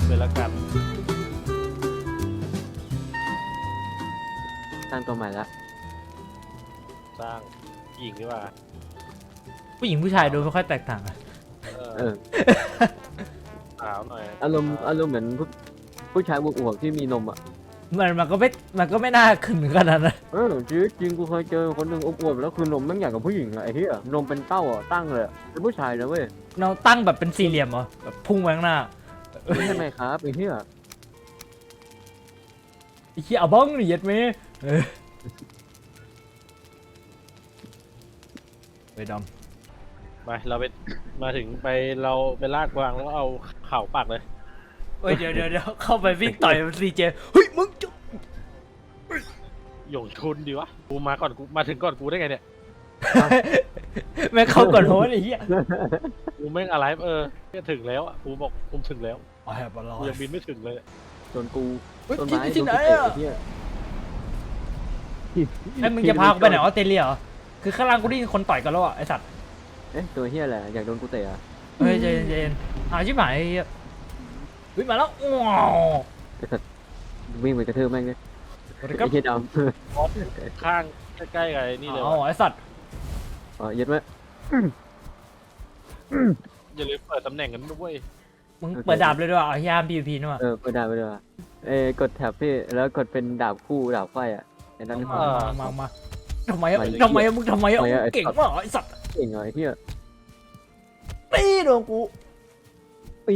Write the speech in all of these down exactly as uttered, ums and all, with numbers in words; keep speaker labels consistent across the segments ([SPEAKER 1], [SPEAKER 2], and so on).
[SPEAKER 1] เลยละกัน
[SPEAKER 2] สร้างตัวใหม่ละ
[SPEAKER 1] สร้างหญิงดีกว่า
[SPEAKER 3] ผู้หญิงผู้ชายดูไม่ค่อยแตกต่างอะ
[SPEAKER 2] เออ
[SPEAKER 1] สาวหน่อย
[SPEAKER 2] อารมณ์อารมณ์เหมือนผู้ผู้ชายอวบๆที่มีนมอ่ะ
[SPEAKER 3] มันมันก็ไม่มันก็ไม่น่าขึ้นขนาดนั้นนะ
[SPEAKER 2] เออชีวิตจริงกูเคยเจอคนหนึ่งอวบๆแล้วคือนมแม่งใหญ่กว่าผู้หญิงอะไอ้เหี้ยนมเป็นเต้าอ่ะตั้งเลยอะเป็นผู้ชายนะเว้ย
[SPEAKER 3] เราตั้งแบบเป็นสี่เหลี่ยมเหรอแบบพุ่งไปข้างหน้า
[SPEAKER 2] ไม่ใช่ไหมครับไอ้เหี้ย
[SPEAKER 3] ไอ้เหี้ยเอาบ้องนี่เย็ดไหมเออไปด
[SPEAKER 1] ไปเราไปมาถึงไปเราไปลากวางแล้วเอาเข่าปักเลย
[SPEAKER 3] ำเฮ้ยเดี๋ยวเดี๋ยวเดี๋ยวเข้าไปวิ่งต่อยมันซีเจเฮ้ยมึงจะ
[SPEAKER 1] หยงชุนดีวะกูมาก่อนกูมาถึงก่อนกูได้ไงเนี่ย
[SPEAKER 3] แม่งเข้าก่อนโหนไอ้เหี้ย
[SPEAKER 1] กูแม่งอะไรเออเนี่ยถึงแล้วอ่ะกูบอกกูถึงแล้ว
[SPEAKER 3] อ๋อแฮปปี้ลอ
[SPEAKER 1] กูยังบินไม่ถึงเลย
[SPEAKER 2] ส่วนกู
[SPEAKER 3] เฮ้ย
[SPEAKER 2] ต้น
[SPEAKER 3] ที่
[SPEAKER 2] ไม้
[SPEAKER 3] ที่ไหน
[SPEAKER 2] โดกู
[SPEAKER 3] อะ
[SPEAKER 2] เตะไอ้เหี้ย
[SPEAKER 3] ไอ้มึงจะพากูไปไหนออสเตรเลียเหรอคือข้างล่างกูได้ยินคนต่อยกันแล้วอ่ะไอ้สัตว์
[SPEAKER 2] เอ๊ะตัวเหี้ยแหละอยากโดนกูเตะอะ
[SPEAKER 3] เฮ้ยใจเย็นใจเย็นหาชิบหายไอ้เหี้ยเฮ้ยมาแล้วว้าว
[SPEAKER 2] วิ่งไปกระทืบแม่งเลย
[SPEAKER 3] สวัสดีค
[SPEAKER 2] ไอ้
[SPEAKER 3] รับ
[SPEAKER 2] เหี้ยด
[SPEAKER 1] ข้างใกล้ๆกับไอ้นี่เลย
[SPEAKER 3] อ๋อ
[SPEAKER 1] วะ
[SPEAKER 3] ไอ้สัตว์
[SPEAKER 2] ำอ๋อเย็ดไหม
[SPEAKER 1] อย่าลืมเปิดตำแหน่งกันด้วย
[SPEAKER 3] มึงเปิดดาบเลยด้วยอ่ะยามพีพีนี่ว่ะ
[SPEAKER 2] เออไปได้ไปได้ว่ะเอ้ยกดแท็บพี่แล้วกดเป็นดาบคู่ดาบไฟอ่ะไอ้นั่น
[SPEAKER 3] มา
[SPEAKER 2] มา
[SPEAKER 3] มามามาทำไมอ่ะทำไมอ่ะมึงทำไมอ่ะเก่งมากไอ้สัตว์
[SPEAKER 2] เก่งเหรอไอ้เหี้ย
[SPEAKER 3] ตีโดนกู
[SPEAKER 2] ปี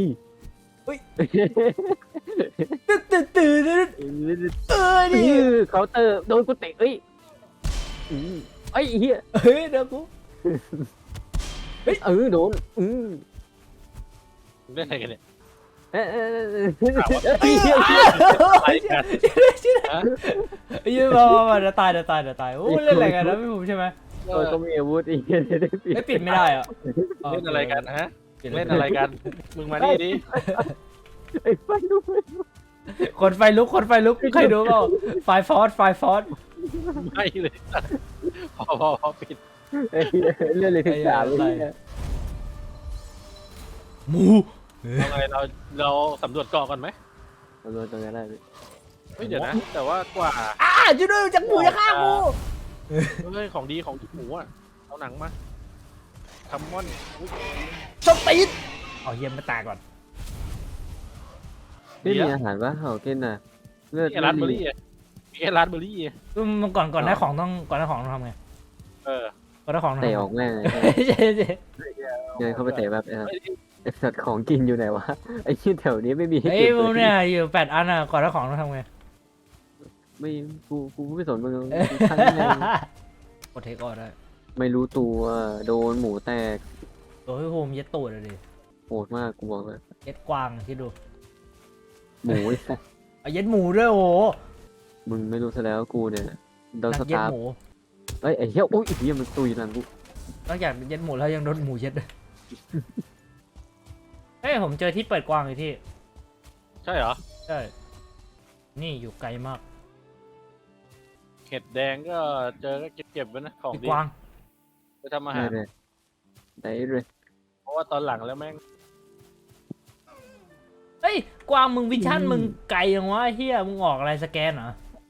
[SPEAKER 3] ตื่นตื่นตื่นตื่นเออดิ
[SPEAKER 2] เคาน์เตอร์โดนกูเตะเอ้ยอืมไอ้เหี้ย
[SPEAKER 3] เฮ้ยเดี๋ยวกู
[SPEAKER 2] เออโดนอืม
[SPEAKER 1] เล่นอะไรกันเนี่ย
[SPEAKER 2] เอ้ยเอ้ยเอ้ย
[SPEAKER 3] ไอ้เหี้ย
[SPEAKER 1] อะไรกัน ฮะ
[SPEAKER 3] ไอ้เหี้ยมามามาเดี๋ยวตายเดี๋ยวตายเดี๋ยวตายโอ้เล่นอะไรกันนะพี่ผมใช่ไหม
[SPEAKER 2] โดนก็มีอาวุธอีกได้ปิด
[SPEAKER 3] ไม่ปิดไม่ได้อ่ะ
[SPEAKER 1] เล่นอะไรกันฮะเล่นอะไรกันมึงมานี่ดิ
[SPEAKER 2] ไอ้ไฟลุก
[SPEAKER 3] คนไฟลุกคนไฟลุกใครดูเปล่าไฟฟอสไฟฟอส
[SPEAKER 1] ไม่เลยพอพอพอปิด
[SPEAKER 2] ไอ้เหี้ยเรื่องเลยถึงสามเลย
[SPEAKER 3] หมู
[SPEAKER 1] เอาไงเราเราสำรวจเกาะก่อนไหม
[SPEAKER 2] ตำรวจตรงนั้นได้พี่
[SPEAKER 1] เฮ้ยเดี๋ยวนะแต่ว่ากว่า
[SPEAKER 3] อ่าช่วยด้วยจากหมูจะฆ่ากู
[SPEAKER 1] เฮ้ยของดีของหมูอ่ะเอาหนังมาคัมมอนอุ๊ย
[SPEAKER 3] สตีนเอาเยี่ยมมาตายก่อน
[SPEAKER 2] พี่มีอาหารปะเขากินน่ะเลือด
[SPEAKER 1] มีร้านเบอร์รี่อ่ะมีไอ้ร้านเบอร์รี่อ่ะ
[SPEAKER 3] อืมก่อนก่อนได้ของต้องก่อนได้ของต้องทำไง
[SPEAKER 1] เออ
[SPEAKER 3] ก่อนได้ของต้อง
[SPEAKER 2] เตะ
[SPEAKER 3] ทำ
[SPEAKER 2] ออกแม่งเลย
[SPEAKER 3] ใช่ใช่
[SPEAKER 2] เดินเข้าไปเตะแบบไอ้สัตว์ของกินอยู่ไหนวะไอ้ที่แถวนี้ไม่มีให้
[SPEAKER 3] เฮ้ย
[SPEAKER 2] เก็บ
[SPEAKER 3] มึง
[SPEAKER 2] เล
[SPEAKER 3] เนี่ย ยอยู่แปดอันอ่ะก่อนได้ของต้องทำไง
[SPEAKER 2] ไม่กูกูไม่สนมึง
[SPEAKER 3] เอ้ย
[SPEAKER 2] กูช่างแม่ง
[SPEAKER 3] กดเทคออได้
[SPEAKER 2] ไม่รู้ตัวโดนหมูแตก
[SPEAKER 3] โอ้ยโฮมเย็ดตูดเลยดิ
[SPEAKER 2] โหดมากกูบอกเลย
[SPEAKER 3] เย็ดกวางคิดดู
[SPEAKER 2] หมูไอ้สัส
[SPEAKER 3] เอาเย็ดหมูด้วยโอ้โห
[SPEAKER 2] มึงไม่รู้ซะแล้วกูเนี่ยโดน
[SPEAKER 3] นั
[SPEAKER 2] ส
[SPEAKER 3] กเย็ด
[SPEAKER 2] ตาร์ฟ
[SPEAKER 3] หมู
[SPEAKER 2] เอ้ยไอ้เหี้ยโอ้ยไอ้เหี้ยมันตุยหลังกู
[SPEAKER 3] นอกจากเย็ดหมูแล้วยังโดนหมูเย็ดด้วยเฮ้ยผมเจอที่เปิดกวางเลยที่
[SPEAKER 1] ใช่เหรอ
[SPEAKER 3] ใช่นี่อยู่ไกลมาก
[SPEAKER 1] เห็ดแดงก็เจอก็เก็บๆไว้นะของ
[SPEAKER 3] ที่
[SPEAKER 1] ดี
[SPEAKER 3] กวาง
[SPEAKER 1] ไปทำอา
[SPEAKER 2] ได้
[SPEAKER 1] หาร
[SPEAKER 2] เลยได้เลย
[SPEAKER 1] เพราะว่าตอนหลังแล้วแม่ง
[SPEAKER 3] เฮ้ยกวางมึงวิชั่นมึงไกลยังวะเฮียมึงออกอะไรสแกนเหรอ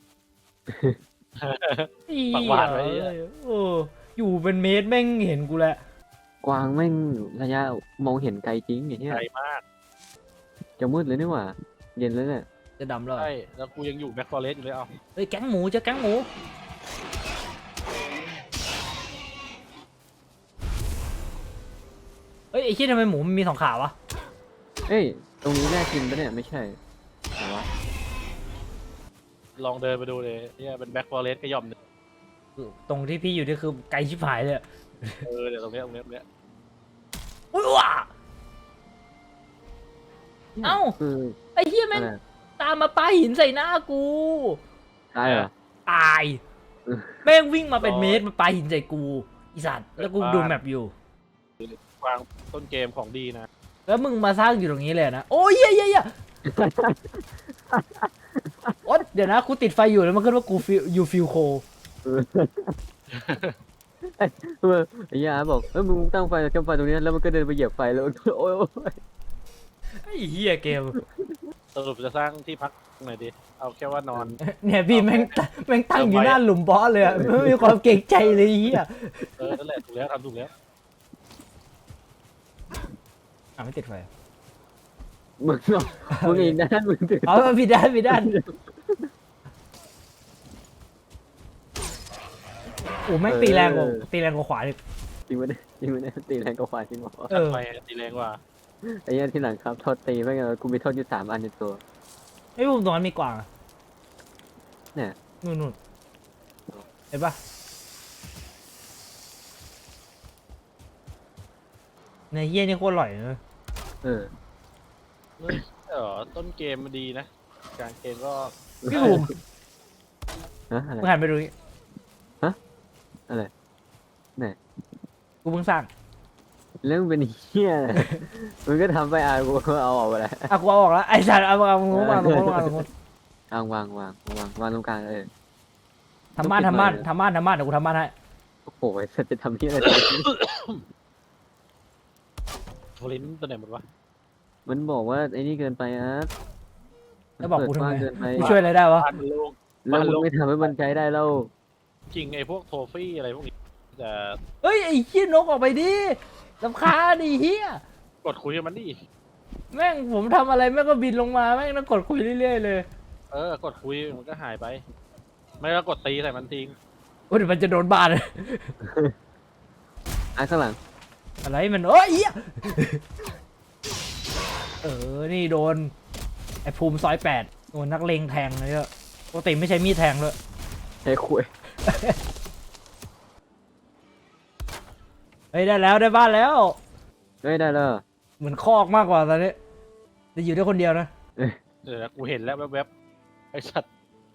[SPEAKER 1] ปากหวานไว้
[SPEAKER 3] เหี้ยโอ้อยู่เป็นเมตรแม่งเห็นกูแหละ
[SPEAKER 2] กวางแม่งระยะมองเห็นไกลจริงไอ้เหี้ย
[SPEAKER 1] ไกลมาก
[SPEAKER 2] จะมืดเลยนี่หว่าเย็นแล้วเนี่ย
[SPEAKER 3] จะดำแล้วเหรอ
[SPEAKER 1] ใช่แล้วกูยังอยู่แบ็คฟอเรสต์อยู่เลยเอา
[SPEAKER 3] เฮ้ยแก๊งหมูเจอแก๊งหมูเฮ้ยไอ้ที่ทำไมหมูมันมีสองขาวะ
[SPEAKER 2] เอ้ยตรงนี้แน่กินปะเนี่ยไม่ใช่แต่ว่า
[SPEAKER 1] ลองเดินไปดูเลยเนี่ยเป็นแบ็คฟอเรสต์ก็ย่อมหนึ่ง
[SPEAKER 3] ตรงที่พี่อยู่นี่คือไกลชิบหายเลยอะ
[SPEAKER 1] เออเดี๋ยวตรงเนี้ยตรงเนี้ยตรงเนี้ย
[SPEAKER 3] อุ้ยว้า เอ้า
[SPEAKER 2] คือ
[SPEAKER 3] ไอ้เหี้ยแม่ง
[SPEAKER 2] อะไร
[SPEAKER 3] ตามมาปาหินใส่หน้ากู
[SPEAKER 2] ตายเหรอ
[SPEAKER 3] ตายแม่งวิ่งมาเป็นเมตรมาปาหินใส่กูอีสัตว์แล้วกูดูแมปอยู่
[SPEAKER 1] วางต้นเกมของดีนะ
[SPEAKER 3] แล้วมึงมาสร้างอยู่ตรงนี้เลยนะโอ้ยเหี้ยเหี้ยเหี้ยโอ๊ยเดี๋ยวนะกูติดไฟอยู่แล้วมันขึ้นว่ากูฟิวยูฟิลโค
[SPEAKER 2] เออเออไอ้ยาบอกเอ้ยมึงตั้งไฟกับไฟตรงนี้แล้วมันก็เดินไปเหยียบไฟแล้วโอ้ยโอ้ย
[SPEAKER 3] ไอ้เหี้ยเกม
[SPEAKER 1] สรุปจะสร้างที่พักหน่อยดิเอาแค่ว่านอน
[SPEAKER 3] เนี่ยพี่แม่งแม่งตั้งอยู่หน้าหลุมบอสเลยอะไม่มีความเกรงใจเลยไอ้เฮีย
[SPEAKER 1] เออนั่นแหละถูกแล้วทำถูกแล้ว
[SPEAKER 3] อ่ะไม่ติดไฟ
[SPEAKER 2] มึงเนาะมึงอีกด้านมึงถือ
[SPEAKER 3] เอามาผิดด้านผิดด้านโอ้แม่งตีแรงกว่าตีแรงกว่าขวาดิ
[SPEAKER 2] จริงไหมเนี่ยจริงไหมเนี่ยตีแรงกว่าควายจริงเหรอ
[SPEAKER 3] เออ
[SPEAKER 1] ไปตีแรงกว่า
[SPEAKER 2] ไอ้เหี้ยที่หลังครับโทษตีไม่งั้นกูมีโทษอยู่สามอันในตัว
[SPEAKER 3] ไอ้พวกตรงนั้นมีกวางอะ
[SPEAKER 2] เนี่ย
[SPEAKER 3] นู่นนู่นเห็นปะในเฮียนี่โคตรอร่อยเลย
[SPEAKER 2] เออ
[SPEAKER 1] เฮ้ยเออต้นเกมมันดีนะกลางเกมก็
[SPEAKER 3] พี่ภูมิ
[SPEAKER 2] ฮะอะไร
[SPEAKER 3] มึงหันไปดูนี่
[SPEAKER 2] อะไร
[SPEAKER 3] กูเพิ่งสร้าง
[SPEAKER 2] เรื่องเป็นเหี้ยอะไรมึงก็ทำไปอ่ะกูก็เอาออกไปแล้ว
[SPEAKER 3] อ่ะกูเอาออกแล้วไอ้สัตว์เอาเอามึงวางตรงนู้นวางตรงนู้น
[SPEAKER 2] วางวางวางวางวางตรงกลางเออ
[SPEAKER 3] ทำบ้านทำบ้านทำบ้านทำบ้านเดี๋ยวกูทำบ้านให้
[SPEAKER 2] โอ้โหไอ้สัตว์จะทำเหี้ยอะไร
[SPEAKER 1] โฟลินตัวไหนหมดวะ
[SPEAKER 2] มันบอกว่าไอ้นี่เกินไปอ่ะ
[SPEAKER 3] แล้วบอกกูทำไม
[SPEAKER 2] เปิดกว้างเกินไป
[SPEAKER 3] กูช่วยอะไรได้วะ
[SPEAKER 1] บ้านมันโล่ง
[SPEAKER 2] แล้วมึงไม่ทำให้มันใช้ได้แล้ว
[SPEAKER 1] จริงไอ้พวกโทฟี่อะไรพวกนี้จะ
[SPEAKER 3] เฮ้ยไอ้ขี้นกออกไปดิลำคาญดิเฮีย
[SPEAKER 1] กดคุยกับมันดิ
[SPEAKER 3] แม่งผมทำอะไรแม่งก็บินลงมาแม่งต้องกดคุยเรื่อยๆเลย
[SPEAKER 1] เออกดคุยมันก็หายไป ไม่ก็กดตีใส่มันทิ้ง
[SPEAKER 3] โอ้ยเดี๋ยวมันจะโดนบ้านเลย
[SPEAKER 2] อ่ะข้างหลัง
[SPEAKER 3] อะไรมันโอ้ยเฮียเออนี่โดนไอ้ภูมิซอยแปดโดนนักเลงแทงเลยอะปกติไม่ใช่มีดแทงเลย
[SPEAKER 2] ใช้คุย
[SPEAKER 3] เฮ้ยได้แล้วได้บ้านแล้ว
[SPEAKER 2] ไม่ได้แล้ว
[SPEAKER 3] เหมือนคอกมากกว่าตอนนี้จะอยู่ได้คนเดียวนะ
[SPEAKER 1] เดี๋ยวนะกูเห็นแล้วแวบๆไอ้สัตว์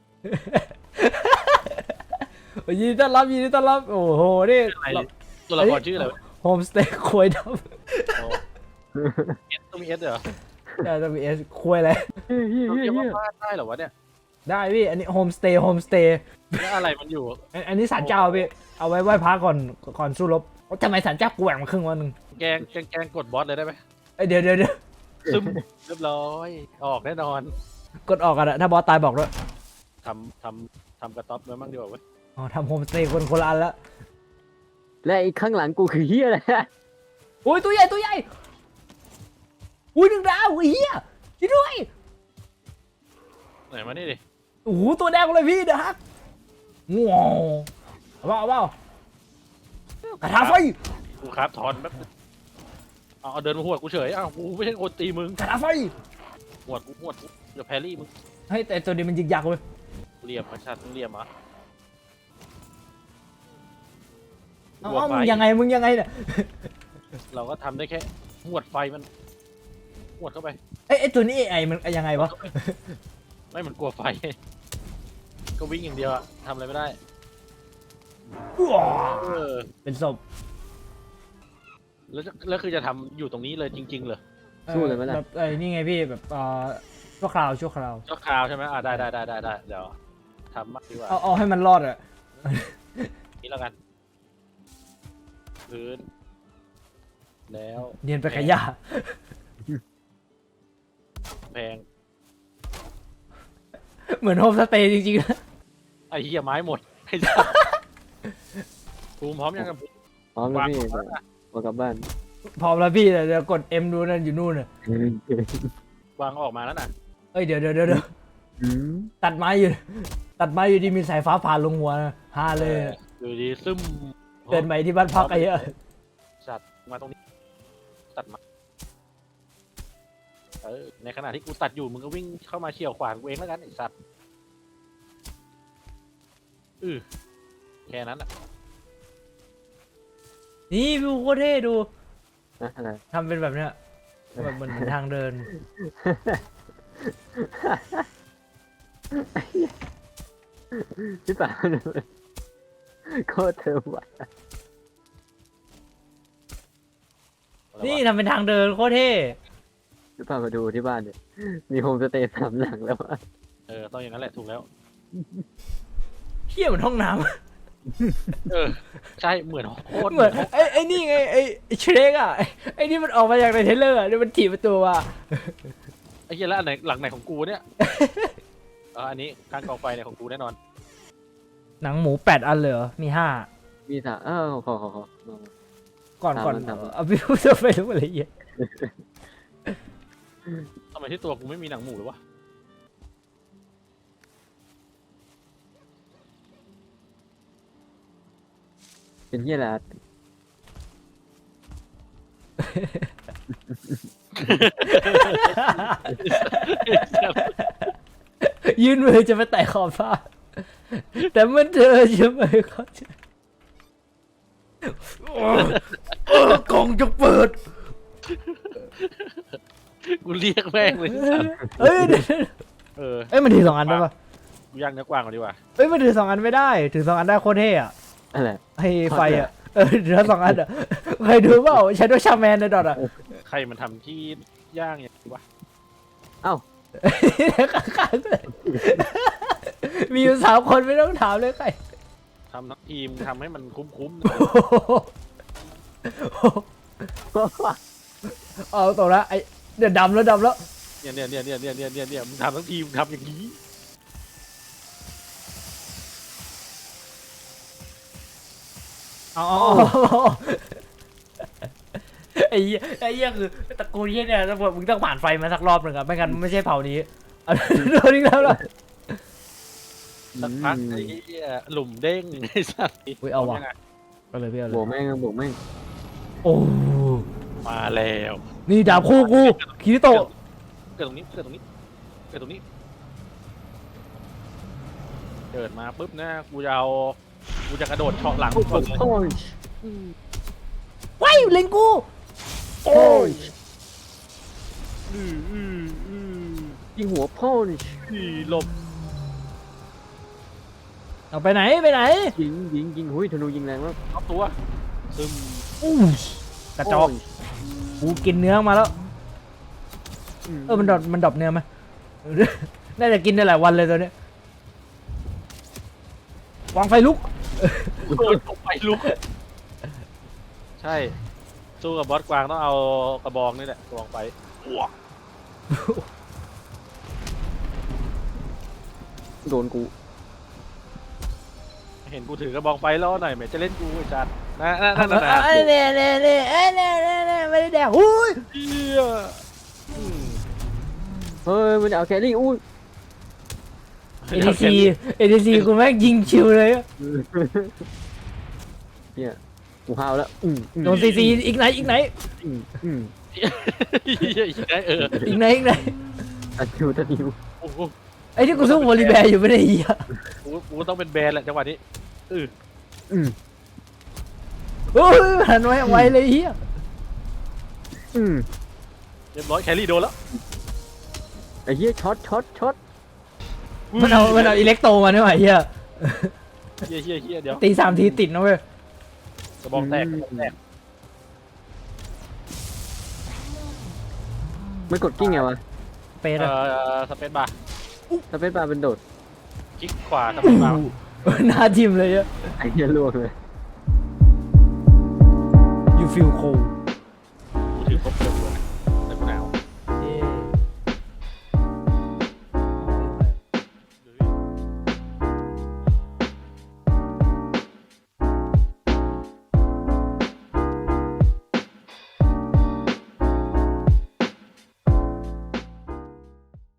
[SPEAKER 3] โอ้ยยินดีต้อนรับยินดีต้อนรับโอ้โหนี่
[SPEAKER 1] อะไรตัวละครชื่ออะไรวะ
[SPEAKER 3] โฮมสเตย์ควยด
[SPEAKER 1] อ๋อเอสต้องมีเอสเหรอ
[SPEAKER 3] ำได้จะมีเอสควยอะไร
[SPEAKER 2] เฮ้ยเฮ้ย
[SPEAKER 1] เรา
[SPEAKER 2] เฮ้ย
[SPEAKER 1] เรียก
[SPEAKER 2] เฮ้
[SPEAKER 1] ว่าย บ้านได้เหรอวะเนี่ย
[SPEAKER 3] ได้พี่อันนี้โฮมสเตย์โฮมสเตย์
[SPEAKER 1] แล้วอะไรมันอยู่
[SPEAKER 3] อันนี้ศาลเจ้าพี่เอาไว้ไหว้พระก่อนก่อนสู้รบทำไมศาลเจ้ากูแหว่งมาครึ่งวันหนึ่ง
[SPEAKER 1] แกงแกงแกงกดบอสเลยได้ไหม
[SPEAKER 3] เอ้ยเดี๋ยวเดี๋ยวเดี๋ยว
[SPEAKER 1] ซึมเรียบร้อยออกแน่นอน
[SPEAKER 3] กดออกกันอะถ้าบอสตายบอกด้วย
[SPEAKER 1] ทำทำทำกระต๊อบไว้มั่งดีกว่าเว้ย
[SPEAKER 3] อ๋อทำโฮมสเตย์คนคนละอันละ
[SPEAKER 2] และไอ้ข้างหลังกูคือเฮียอะไรอะ
[SPEAKER 3] อุ้ยตัวใหญ่ตัวใหญ่อุ้ยหนึ่งดาวไอ้เหี้ยช่วยด้วย
[SPEAKER 1] ไหนมานี่ดิ
[SPEAKER 3] โอ้โหตัวแดงเลยพี่เด้อฮักว้าวเอาเปล่าเอาเปล่ากระทาไฟ
[SPEAKER 1] กูครับถอนแป๊บนึงเอาเอาเดินมาหวดกูเฉยอ้าวกูไม่ใช่คนตีมึง
[SPEAKER 3] กระทาไฟ
[SPEAKER 1] หวดกูหวดกูอย่าแพรรี่มึง
[SPEAKER 3] เฮ้ยแต่ตัวนี้มันยิงยักษ์เว้ย
[SPEAKER 1] เหลี่ยมมาชัดมึงเหลี่ยมเหรอ
[SPEAKER 3] เอ้า
[SPEAKER 1] หวด
[SPEAKER 3] เอ้า
[SPEAKER 1] ไฟ
[SPEAKER 3] มึงยังไงมึงยังไงเนี่ย
[SPEAKER 1] เราก็ทำได้แค่หวดไฟมันหวดเข้าไป
[SPEAKER 3] เอ้ยไอ้ตัวนี้ไอ้มันยังไงวะ
[SPEAKER 1] ไม่มันกลัวไฟ ก็วิ่งอย่างเดียวอะทำอะไรไม่ได้
[SPEAKER 3] ว้าว
[SPEAKER 1] เออ
[SPEAKER 3] เป็นศพ
[SPEAKER 1] แล้วจะแล้วคือจะทำอยู่ตรงนี้เลยจริงๆเหรอ
[SPEAKER 2] สู้เลยไหมล่ะ
[SPEAKER 3] แบบไอ้นี่ไงพี่แบบเอ่อชั่วคราวชั่วคราว
[SPEAKER 1] ชั่วคราวใช่ไหมอ่าได้ได้ได้ได้ได้เดี๋ยวทำมากดีกว่า
[SPEAKER 3] เอาเอาให้มันรอดอะ
[SPEAKER 1] นี่แล้วกัน พื้น แล้ว
[SPEAKER 3] เนียนไปขยะ
[SPEAKER 1] แพง
[SPEAKER 3] เหมือนโฮมสเตย์จริงๆนะ
[SPEAKER 1] ไอ้เหี้ยไม้หมด ไอ้สัสภูมิพร้อมยังกับ
[SPEAKER 2] พร้อมแล้วพี่มากลับบ้าน
[SPEAKER 3] พร้อมแล้วพี่เดี๋ยวกด M ดูนั่นอยู่นู่นน่ะ
[SPEAKER 1] วางออกมาแล้วนะ
[SPEAKER 3] เอ้ยเดี๋ยวเดี๋ยวเดี๋ยวเดี๋ยว
[SPEAKER 2] อืม
[SPEAKER 3] ตัดไม้อยู่ ตัดไม้อยู่ดีมีสายฟ้าผ่านลงหัวนะฮาเลยอะ
[SPEAKER 1] อยู่ดีซึม
[SPEAKER 3] เดินไปที่บ้านพักไอ้เหี้ย
[SPEAKER 1] สัตว์มาตรงนี้ ตัดมาเออในขณะที่กูตัดอยู่มึงก็วิ่งเข้ามาเฉี่ยวขวางกูเองแล้วกันไอ้สัตว์อือแค่นั้นอะ
[SPEAKER 3] นี่พี่โคตรเท่ดู
[SPEAKER 2] นะอะไร
[SPEAKER 3] ทำเป็นแบบเนี้ยแบบเหมือนทางเดิน
[SPEAKER 2] พี่ป่าโคตรเธอว่ะ
[SPEAKER 1] อะไรวะ
[SPEAKER 3] นี่ทำเป็นทางเดินโคตรเท่
[SPEAKER 2] พี่ป่ามาดูที่บ้านเนี่ยมีโฮมสเตย์สามหลังแล้วอะ
[SPEAKER 1] เออต้องอย่างนั้นแหละถูกแล้ว
[SPEAKER 3] เที่ยเหมือนห้องน้
[SPEAKER 1] เออใช่เหมือนโคตร
[SPEAKER 3] ำเหมือนไอ้ไอ้นี่ไงไอ้ไอ้เชรกอ่ะไอ้ไอ้นี่มันออกมาจากในเทรลเลอร์อ่ะนี่มันถีบประตูอ่ะ
[SPEAKER 1] ไอ้เหี้ยแล้วอันไหนหลังไหนของกูเนี่ย เอออันนี้การกองไฟเนี่ยของกูแน่นอน
[SPEAKER 3] หนังหมูแปดอันเลยเหรอมีห้า
[SPEAKER 2] มีสามเออขอขอขอขอ
[SPEAKER 3] ก่อนก่อน
[SPEAKER 2] ตามนั้น
[SPEAKER 3] เอาพี่พูดจะไปรู้อะไรเยอะ
[SPEAKER 1] ทำไมที่ตัวกูไม่มีหนังหมูเลยวะ
[SPEAKER 2] เป็นเหี้ยอะไร
[SPEAKER 3] ยื่นมือจะไปแตะขอบฟ้าแต่เมื่อเธอจะไม่เข้าใจโอ้กล่องจะเปิด
[SPEAKER 1] กูเรียกแม่งเลยสัตว์
[SPEAKER 3] เอ้ยเดี๋ยว
[SPEAKER 1] เออ
[SPEAKER 3] เอ้ยมันถือสองอันได้ปะ
[SPEAKER 1] กูย่างเนื้อกวางก่อนดีกว่า
[SPEAKER 3] เอ้ยมันถือสองอันไม่ได้ถือสองอันได้โคตรเท่อะ
[SPEAKER 2] อะไร
[SPEAKER 3] ให้ไฟอะเออถือสองอันอะเคยดูเปล่าใช้ด้วยชาแมนในดอทอะ
[SPEAKER 1] ใครมันทำที่ย่างอย่างนี้วะ
[SPEAKER 3] ข้างๆเลยมีอยู่สามคนไม่ต้องถามเลยใคร
[SPEAKER 1] ทำทั้งทีมทำให้มันคุ้มๆ
[SPEAKER 3] เอาตรงละไอเดี๋ยวดำแล้วดำแล้ว
[SPEAKER 1] เนี่ยเนี่ยเนี่ยเนี่ยเนี่ยเนี่ยเนี่ยเนี่ยมึงทำทั้งทีมทำอย่างนี้
[SPEAKER 3] อ๋อไอ้เหี้ยไอ้เหี้ยคือตระกูลเหี้ยเนี่ยถ้ามึงต้องผ่านไฟมาสักรอบหนึ่งอะไม่งั้นไม่ใช่เผ่านี้เอาโดนอีกแล้วเหรอ
[SPEAKER 1] สักพักไอ้เหี้ยหลุมเด้งไอ้สัตว์
[SPEAKER 3] อุ้ยเอาว่ะ
[SPEAKER 1] ยังไง
[SPEAKER 3] ก็เลยพี่เอาเล
[SPEAKER 2] บวก
[SPEAKER 3] ย
[SPEAKER 2] แม่งบวกแม่ง
[SPEAKER 3] โอ้
[SPEAKER 1] มาแล้ว
[SPEAKER 3] นี่ดาบคู่กูคิริโตะ
[SPEAKER 1] เกิดตรงนี้เกิดตรงนี้เกิดตรงนี้เกิดมาปุ๊บนะกูจะเอากูจะกระโดดเฉาะหลัง
[SPEAKER 2] โอ้
[SPEAKER 1] ก่อนเลย
[SPEAKER 2] โห
[SPEAKER 3] ว้ายเล็งกู
[SPEAKER 2] โอ้ย
[SPEAKER 1] อืออืออือ
[SPEAKER 2] ยิงหัวพ่น
[SPEAKER 1] อือหลบ
[SPEAKER 3] เอาไปไหนไปไหน
[SPEAKER 2] ยิงยิงยิงหุ้ยธนูยิงแรงมาก
[SPEAKER 1] เอาตัวซึม
[SPEAKER 3] อู้กระจอกกูกินเนื้อมาแล้วเออมันดรอปมันดรอปเนื้อไหมน่าจะกินได้หลายวันเลยตัวเนี้ยวางไฟลุก
[SPEAKER 1] โดนตกไปลุกใช่สู้กับบอสกวางต้องเอากระบองนี่แหละกระบองไปอ้วก
[SPEAKER 2] โดนกู
[SPEAKER 1] เห็นกูถือกระบองไฟล้อหน่อยแหมจะเล่นกูไอ้จัดนะนะนะนะนะ
[SPEAKER 3] เอ้ยเนี่ยเนี่ยเนี่ยเอ้ยเนี่ยเนี่ยเนี่ยไม่ได้แดกอุ้ย
[SPEAKER 1] เหี้ยอืม
[SPEAKER 2] เฮ้ยมันเอาแครี่อุ้ย
[SPEAKER 3] เอดีซีเอดีซีกูแม่งยิงชิวเลยอะ
[SPEAKER 2] เนี่ยกูห้าวแล้วอืมอืม
[SPEAKER 3] โดนซีซีอีกไหนอีกไหน
[SPEAKER 2] อืมอืม
[SPEAKER 1] เหี้ยอีกได้เออ
[SPEAKER 3] อีกไหนอีกไหน
[SPEAKER 2] ตัดนิวตัดนิว
[SPEAKER 1] โอ้โห
[SPEAKER 3] ไอ้ที่กูสู้วอลลีแบร์อยู่ไม่ได้เหี้ย
[SPEAKER 1] กูกูต้องเป็นแบรนด์แหละจังหวะนี้เออ
[SPEAKER 2] อืม
[SPEAKER 3] โอ้ยหันไว้ไวเลยเหี้ย
[SPEAKER 2] อืม
[SPEAKER 1] เรียบร้อยแครี่โดนแล้ว
[SPEAKER 2] ไอ้เหี้ยช็อตช็อตช็อต
[SPEAKER 3] มันเอามันเอาอิเล็กโตมาด้วยเหี้ย
[SPEAKER 1] เฮียเฮียเฮียเดี๋ยว
[SPEAKER 3] ตีสามทีติดนะเว้ย
[SPEAKER 1] กระบองแตกกระบองแตก
[SPEAKER 2] ไม่กดกิ้งไงวะ
[SPEAKER 3] เป๊ะ
[SPEAKER 1] เอ่
[SPEAKER 3] อะ
[SPEAKER 1] อสเปซบาร์
[SPEAKER 2] สเปซบาร์เป็นโดด
[SPEAKER 1] คลิกขวาสเปซบาร์
[SPEAKER 3] หน้าทิมเลยอะ
[SPEAKER 2] ไอ้เหี้ยลวกเลย
[SPEAKER 3] you feel cold